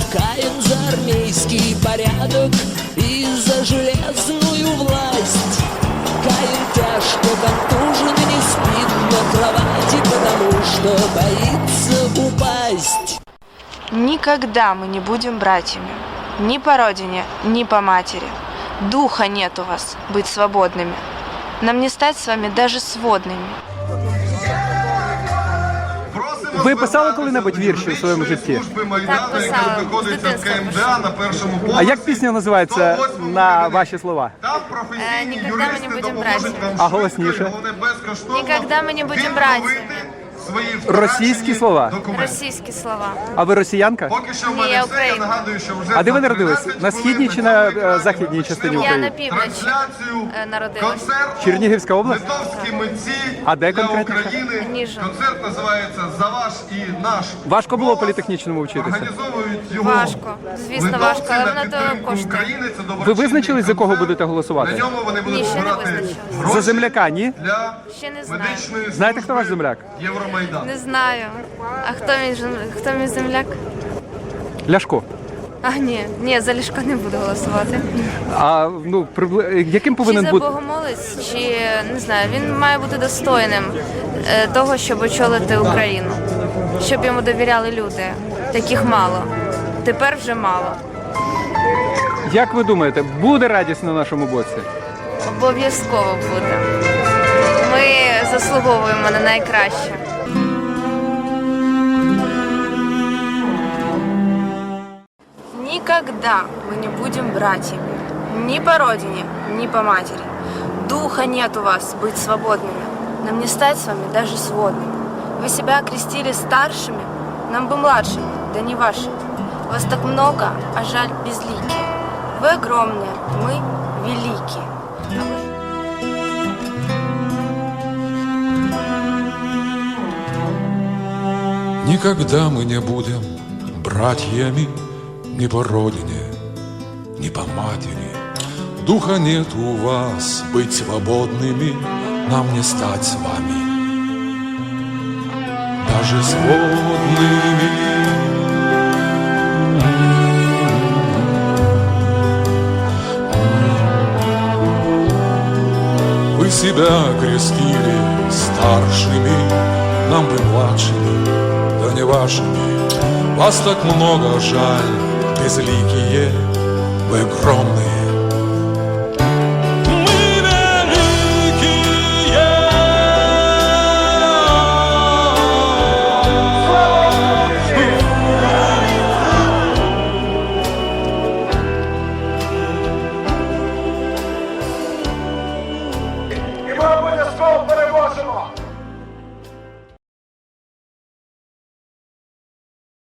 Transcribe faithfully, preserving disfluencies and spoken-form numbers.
Каем за армейский порядок и за железную власть. Каин тяжко контужен и не спит на кровати, потому что боится упасть. Никогда мы не будем братьями. Ни по родине, ни по матери. Духа нет у вас быть свободными. Нам не стать с вами даже сводными. Ви писали коли-небудь вірші у своєму житті? Так, писала. З дитинства пишу. А як пісня називається на ваші слова? Э, «Никогда мы не будем братьями». А голосніше? «Никогда мы не будем братьями». Російські слова? Російські слова. А ви росіянка? Ні, я українка. А де ви народились? На східній чи на е, західній частині Я України? на півночі е, народилась. Чернігівська область? А де конкретно? Ніжин. Концерт називається «За ваш і наш». Важко було політехнічному вчитися? Організовують його Важко. Звісно, важко, але литовці на воно того підтримку коштує. України. Це Ви доброчинний визначились, за кого концерт. будете На голосувати? ньому вони будуть Ні, ще не збирати визначилась. гроші За земляка, ні? для Ще не знаю. медичної Знаєте, хто ваш служби земляк? Євромайдан. Не знаю. А хто мій, жен- хто мій земляк? Ляшко. А, ні. Ні, за Ляшка не буду голосувати. А ну прибли... яким Чи повинен за бути? богомолець, чи, не знаю, він має бути достойним е, того, щоб очолити Україну. Щоб йому довіряли люди. Таких мало. Тепер вже мало. Як ви думаєте, буде радість на нашому боці? Обов'язково буде. Ми заслуговуємо на найкраще. Никогда мы не будем братьями. Ни по родине, ни по матери. Духа нет у вас быть свободными. Нам не стать с вами даже сводными. Вы себя окрестили старшими, нам бы младшими, да не вашими. Вас так много, а жаль безликие. Вы огромные, мы великие. А вы... Никогда мы не будем братьями ни по родине, ни по матери. Духа нет у вас быть свободными, нам не стать с вами даже сводными. Вы себя крестили старшими, нам бы младшими, да не вашими. Вас так много, жаль, безликие, вы огромные,